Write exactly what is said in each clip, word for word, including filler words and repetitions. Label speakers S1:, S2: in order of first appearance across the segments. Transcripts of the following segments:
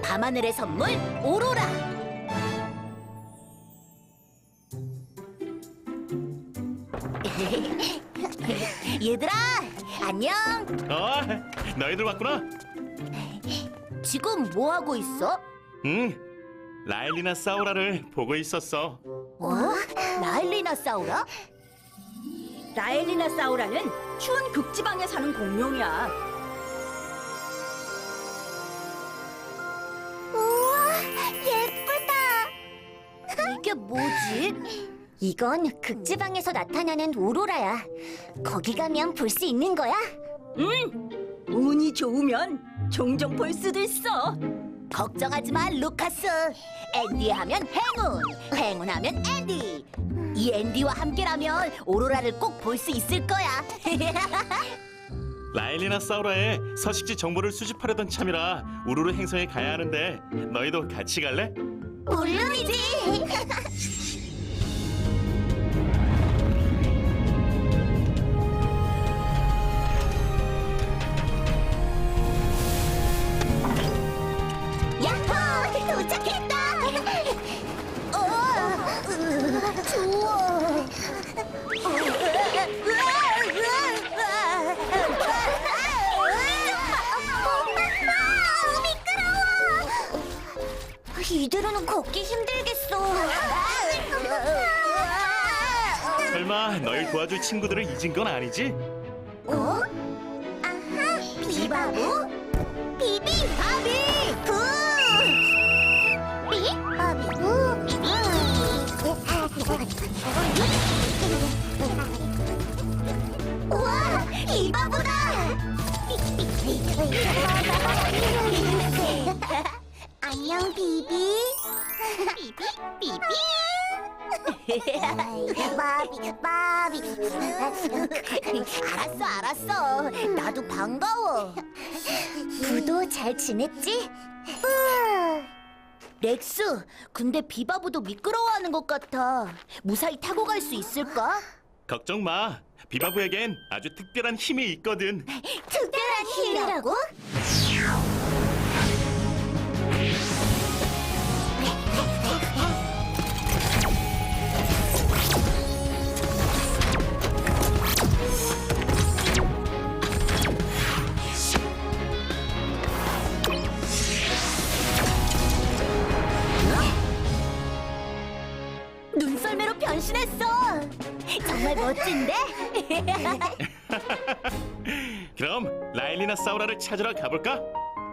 S1: 밤하늘의 선물 오로라. 얘들아, 안녕.
S2: 어, 너희들 왔구나.
S1: 지금 뭐 하고 있어?
S2: 응, 라일리나 사우라를 보고 있었어.
S1: 어? 라일리나 사우라?
S3: 라엘리나 사우라는 추운 극지방에 사는 공룡이야.
S4: 우와, 예쁘다.
S1: 이게 뭐지?
S4: 이건 극지방에서 나타나는 오로라야. 거기 가면 볼 수 있는 거야?
S3: 응, 운이 좋으면 종종 볼 수도 있어.
S1: 걱정하지 마, 루카스. 앤디 하면 행운, 행운 하면 앤디. 이 앤디와 함께라면 오로라를 꼭 볼 수 있을 거야.
S2: 라일리나 사우라의 서식지 정보를 수집하려던 참이라 우루루 행성에 가야 하는데 너희도 같이 갈래?
S4: 물론이지. 야호! 도착했다. 어, 으, 추워. 이대로는 걷기 힘들겠어.
S2: 설마 너희 도와줄 친구들을 잊은 건 아니지?
S4: 어? 아하, 비바보, 비비, 바비, 부, 비, 바비, 부, 비비. 우와, 비바보다. 안녕, 비비. 비비, 비비. 바비, 바비.
S1: 알았어, 알았어. 나도 반가워.
S4: 부도 잘 지냈지?
S1: 렉스, 근데 비바보도 미끄러워하는 것 같아. 무사히 타고 갈 수 있을까?
S2: 걱정 마. 비바부에겐 아주 특별한 힘이 있거든.
S4: 특별한 힘이라고?
S1: 눈썰매로 변신했어. 정말 멋진데?
S2: 그럼 라일리나 사우라를 찾으러 가볼까?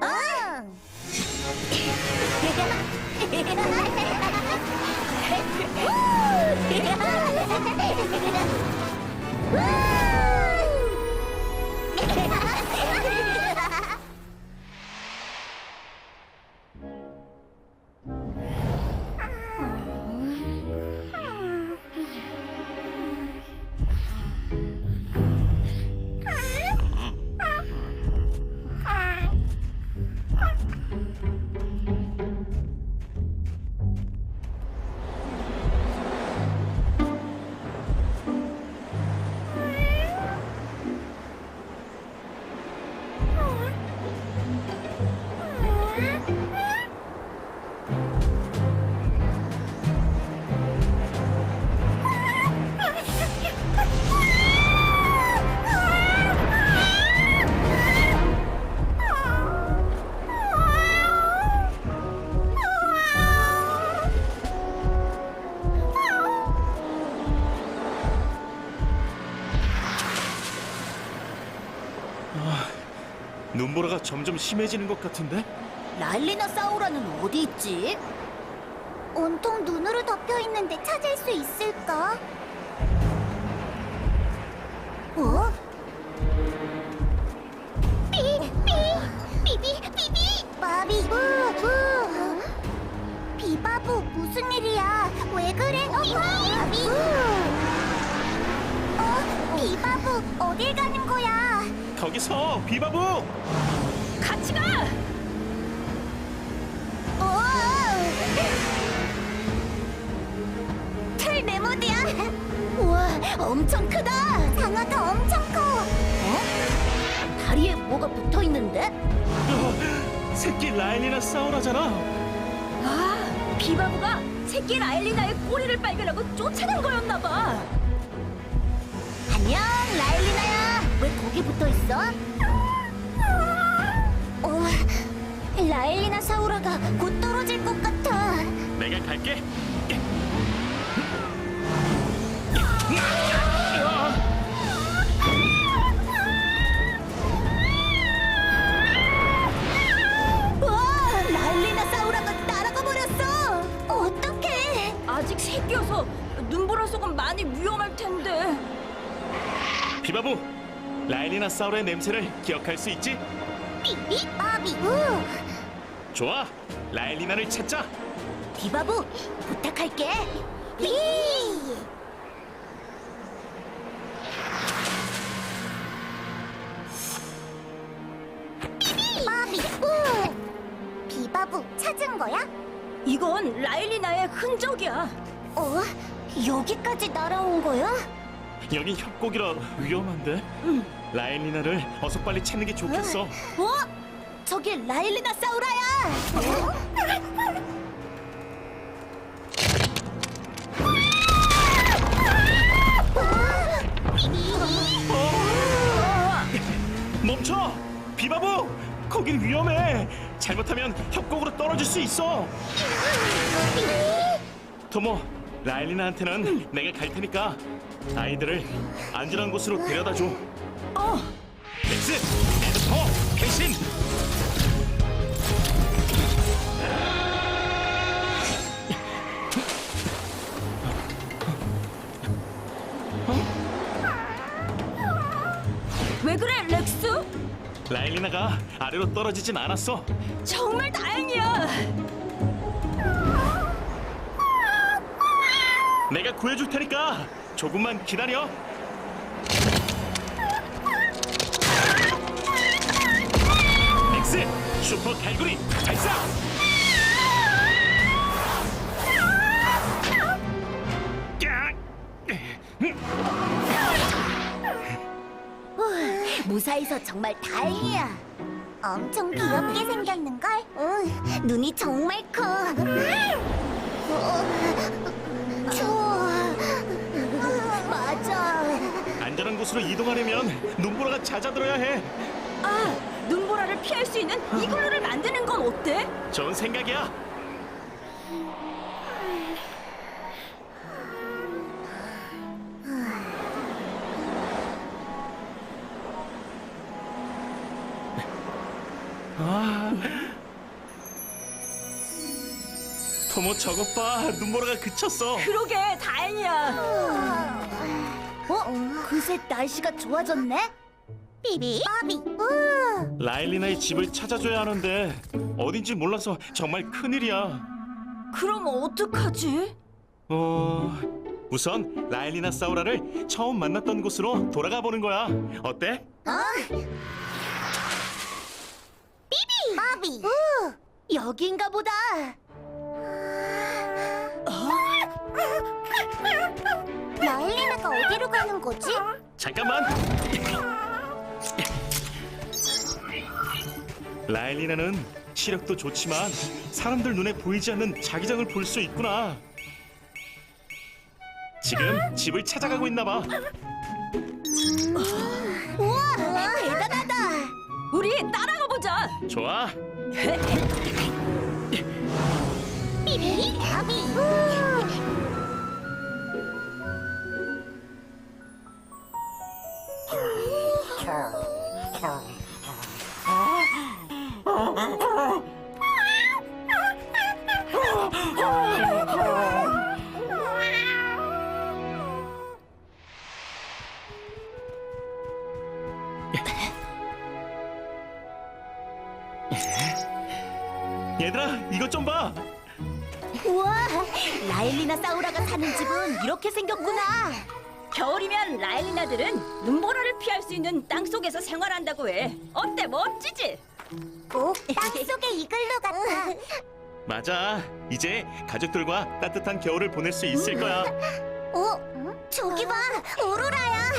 S2: 눈보라가 점점 심해지는 것 같은데?
S1: 라일리나 사우라는 어디 있지?
S4: 온통 눈으로 덮여 있는데 찾을 수 있을까? 어? 삐, 삐, 비비, 비비, 바비, 부, 부. 비바보, 무슨 일이야? 왜 그래? 어, 바비, 어, 비바보, 어딜 가는 거야?
S2: 거기서 비바부!
S3: 같이 가!
S4: 어, 틀 메모드야.
S1: 우와, 엄청 크다.
S4: 장어가 엄청 커.
S1: 다리에 뭐가 붙어 있는데?
S2: 어, 새끼 라일리나 사우라잖아.
S3: 아, 비바부가 새끼 라일리나의 꼬리를 발견하고 쫓아낸 거였나 봐.
S1: 안녕, 라일리나야. 왜 거기 붙어 있어?
S4: 어, 라일리나 사우라가 곧 떨어질 것 같아.
S2: 내가 갈게.
S1: 와, 라일리나 사우라가 날아가 버렸어.
S4: 어떡해?
S3: 아직 새끼여서 눈보라 속은 많이 위험할 텐데.
S2: 비바부, 라일리나 사우라의 냄새를 기억할 수 있지?
S4: 삐삐 바비 우.
S2: 좋아, 라일리나를 찾자.
S1: 비바부, 부탁할게.
S4: 삐. 바비 우. 비바부 찾은 거야?
S3: 이건 라일리나의 흔적이야.
S4: 어? 여기까지 날아온 거야?
S2: 여기 협곡이라 위험한데? 라일리나를 어서 빨리 찾는 게 좋겠어.
S1: 어? 저기 라일리나 사우라야.
S2: 멈춰! 비바부! 거긴 위험해! 잘못하면 협곡으로 떨어질 수 있어! 토모, 라일리나한테는 내가 갈 테니까 아이들을 안전한 곳으로 데려다줘.
S3: 어,
S2: 엑스! 에드퍼! 대신!
S3: 왜 그래, 렉스?
S2: 라일리나가 아래로 떨어지진 않았어.
S3: 정말 다행이야.
S2: 내가 구해줄 테니까 조금만 기다려. 엑스! 슈퍼 갈고리 발사!
S1: 무사해서 정말 다행이야.
S4: 엄청 귀엽게 생겼는걸? 응, 눈이 정말 커. 어, 추워.
S1: 맞아.
S2: 안전한 곳으로 이동하려면 눈보라가 잦아들어야 해.
S3: 아, 눈보라를 피할 수 있는 이글루를 만드는 건 어때?
S2: 좋은 생각이야. 아, 토모 저것 봐, 눈보라가 그쳤어.
S3: 그러게, 다행이야.
S1: 어? 그새 날씨가 좋아졌네?
S4: 삐비 바비 우.
S2: 라일리나의 집을 찾아줘야 하는데 어딘지 몰라서 정말 큰일이야.
S3: 그럼 어떡하지?
S2: 어, 우선 라일리나 사우라를 처음 만났던 곳으로 돌아가 보는 거야. 어때?
S4: 바비 우.
S1: 여긴가 보다.
S4: 라일리나가 어디로 가는 거지?
S2: 잠깐만. 라일리나는 시력도 좋지만 사람들 눈에 보이지 않는 자기장을 볼 수 있구나. 지금 집을 찾아가고 있나 봐.
S1: 우와, 대단하다.
S3: 우리 따라가 보자.
S2: 좋아.
S4: 삐비 바비 우.
S2: 얘들아, 이것 좀 봐.
S1: 우와, 라일리나 사우라가 사는 집은 이렇게 생겼구나.
S3: 겨울이면 라일리나들은 눈보라를 피할 수 있는 땅 속에서 생활한다고 해. 어때, 멋지지?
S4: 꼭 땅속의 이글루 같아.
S2: 맞아. 이제 가족들과 따뜻한 겨울을 보낼 수 있을 거야.
S4: 어? 저기 봐, 오로라야.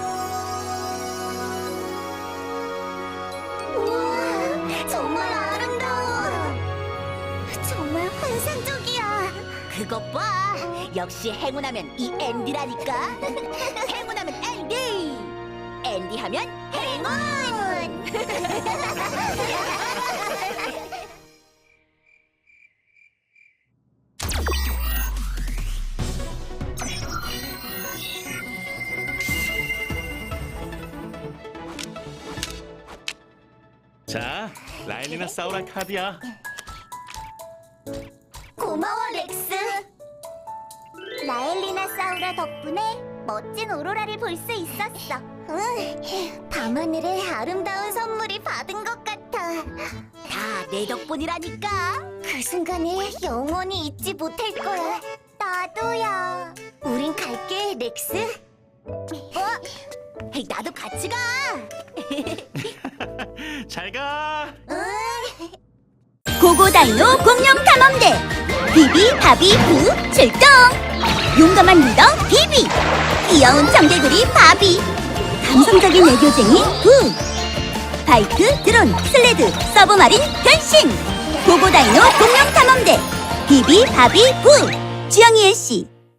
S4: 우와, 정말 아름다워.
S1: 그것 봐. 역시 행운하면 이 앤디라니까. 행운하면 앤디. 앤디 하면 행운.
S2: 자, 라일리나 사우라 카드야.
S4: 고마워, 렉스. 라엘리나 사우라 덕분에 멋진 오로라를 볼 수 있었어. 응, 밤하늘에 아름다운 선물이 받은 것 같아.
S1: 다 내 덕분이라니까.
S4: 그 순간을 영원히 잊지 못할 거야. 나도야. 우린 갈게, 렉스. 어?
S1: 헤이, 나도 같이 가.
S2: 잘 가.
S4: 고고다이노 공룡 탐험대 비비 바비 부 출동. 용감한 리더 비비, 귀여운 청개구리 바비, 감성적인 애교쟁이 부, 바이크, 드론, 슬레드, 서브마린 변신. 고고다이노 공룡 탐험대 비비 바비 부. 주영이 씨